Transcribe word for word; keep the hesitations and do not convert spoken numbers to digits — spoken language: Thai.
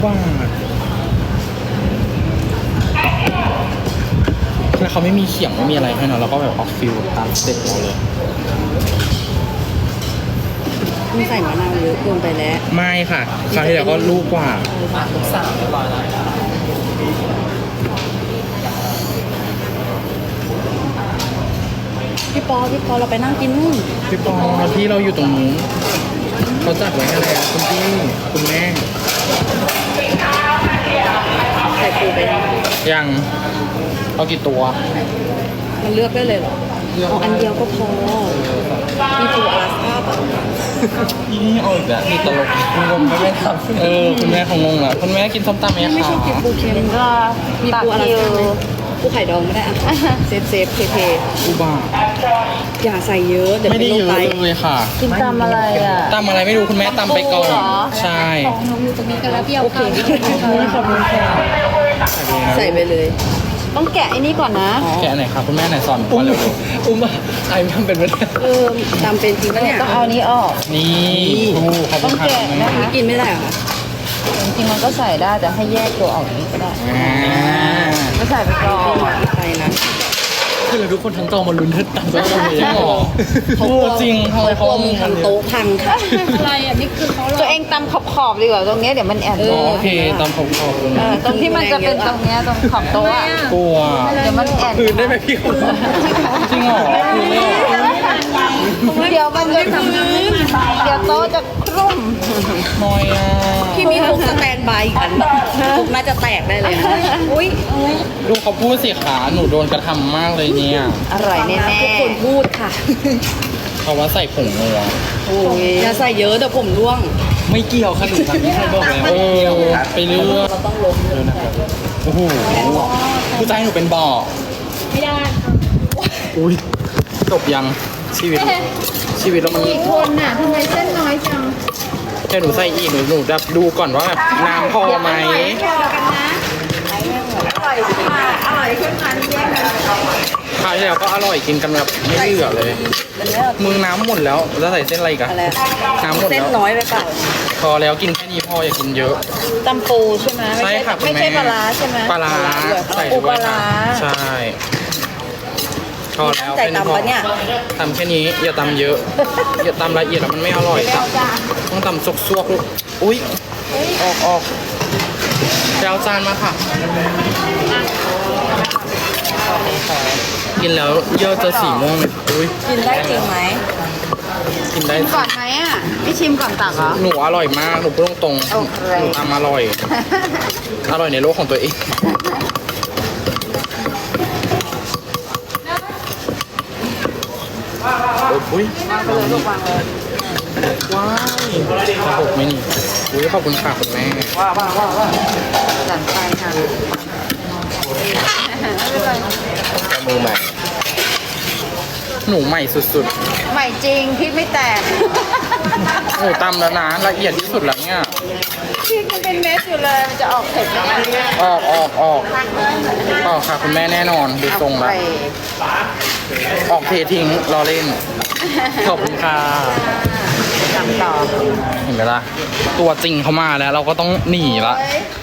ว่าแล้วเขาไม่มีเขียงไม่มีอะไรให้เนาะเราก็แบบออกฟิลตามสเต็ปเราเลยไม่ใส่มะนาวเยอะเกินไปแล้วไม่ค่ะคราวที่แล้วก็ลูกกว่าลูกสาวเรียบร้อยแล้วพี่ปอพี่ปอเราไปนั่งกินนู่นพี่ปอที่เราอยู่ตรงนู้นเขาจัดไว้ให้แล้วคุณพี่คุณแม่ใส่ปูไปยังยังเอากี่ตัวมันเลือกได้เลยเหรอเอาอันเดียวก็พอมีปูอลาสก้าปะนี่เอาอีกแล้วนี่ตลกคุณงงไม่ทำเออคุณแม่เขางงแล้วคุณแม่กินส้มตำไหมคะไม่ชอบกินปูเค็มก็มีตักปูอลาคิสก้าว ไหมปูไข่ดองไม่ได้อะเซฟเซฟเทเทอุบ้าอย่าใส่เยอะเดี๋ยวไม่ได้เป็นเยโรอะคไตเลยค่ะกินตำอะไรอ่ะตำอะไรไม่รู้คุณแม่ตำไปก่อนเหรอใช่โอเคขอบคุณค่ะใส่ไปเลยต้องแกะไอ้นี่ก่อนนะแกะไหนครับคุณแม่ไหนสอนก่อนเร็วอุ้มอ่ะไอ้ทำเป็นไม่ได้เออตามเป็นจริงปะเนี่ยต้องเอาอันนี้ออกๆนี่ครูขอบคุต้อณงค่ะแกะนะคะกินไม่ได้เหรอคะจริงๆมันก็ใส่ได้แต่ให้แยกตัวออกอย่างนี้ก็ได้อ่าก็ใส่ไปก่อนใส่นะคือเราทุกคนทั้งจอมาลุ้นเธอตามตัวเลยจริงเหรอเขาโอ้จริงทำไมเขากลัวเอามึมืงอทำทำโต๊ะพังค่ะตัวเองตำขอบๆดีกว่าตรงเนี้ยเดี๋ยวมันแอนเออ๋ออโอเคตามผมขอบคุณเออตรงที่มันจะเป็นตรงเนี้ยตรงขอบโต๊ะอะกลัวเดี๋ยวมันแอนคืนได้ไหมพี่คนจริงเหรอคือไม่เหรอเดี๋ยวมันจะทำเดี๋ยวโต๊ะจะครุ่มน้อยอ่ะพี่มีคุกสแตนบายอีกอันคุกน่าจะแตกได้เลยอะอุ้ยดูเขาพูดสิขาหนูโดนกระทำมากเลยเนี่ยอร่อยแน่ทุกคนพูดค่ะเขาว่าใส่ผงนัวโอ้ยอย่าใส่เยอะเดี๋ยวผมร่วงไม่เกี่ยวค่ะหนูทำที่ใครบอกแล้วเออไปเรื่อยเราต้องล้มเดี๋ยวนะครับโอ้โหผู้ชายหนูเป็นบ่อไม่ได้อุ้ยจบยังชีวิตชีวิตเรามันๆคนน่ะทำไมเส้นน้อยจังแค่หนูใส่อีกหนูหนูจะดูก่อนว่าแบบน้ำพอไหมอร่อยขึ้นมาแยกกันคราวที่แล้วก็อร่อยกินกันแบบไม่เหลือเลยมึงน้ำหมดแล้วแล้วใส่เส้นอะไรอีกันอะไรน้ำหมดเส้นแล้วน้อยไปเปล่าพอแล้วกินแค่นี้พออย่ากินเยอะตำปูใช่ไหมใช่ค่ะคุณไม่แม่ใช่ปลาร้าใช่ไหมปลาร้าใส่ปูด้วยปลาร้าใช่พอแล้วใจแค่นี้พอตำปะเนี่ยตำแค่นี้อย่าตำเยอะ อย่าตำละเอียดแล้วมันไม่อร่อยตำต้องตำซกๆลูกอุ้ยออกออกไปเอาจานมาค่ะกินแล้วเยื่อจะสีม่วงเลยอุ้ยกินได้จริงไหมกินได้ชิมก่อนไหมอ่ะพี่ชิมก่อนตักเหรอหนูอร่อยมากหนูพูดตรงๆโอเคหนูทำอร่อย อร่อยในโลกของตัวเองอุ้ยวางไปเลยลูกวางเลยว้ายกระหกไหมนี่อุ้ยขอบคุณค่ะคุณแม่หลังไปค่ะไม่เป็นไรมือใหม่ หนูใหม่สุดใหม่จริงพริกไม่แตกๆ หนูตำแล้วนะละเอียดที่สุดแล้วเนี่ยพริกมันเป็นเม็ดอยู่เลยมันจะออกเผ็ดไหมเนี่ยออกออกออกออกค่ะคุณแม่แน่นอนดูทรงแล้วไปออกเททิ้งรอเล่น ขอบคุณค่ะทำต่อเห็นไหมล่ะ ตัวจริงเขามาแล้วเราก็ต้องหนีละเฮ้ย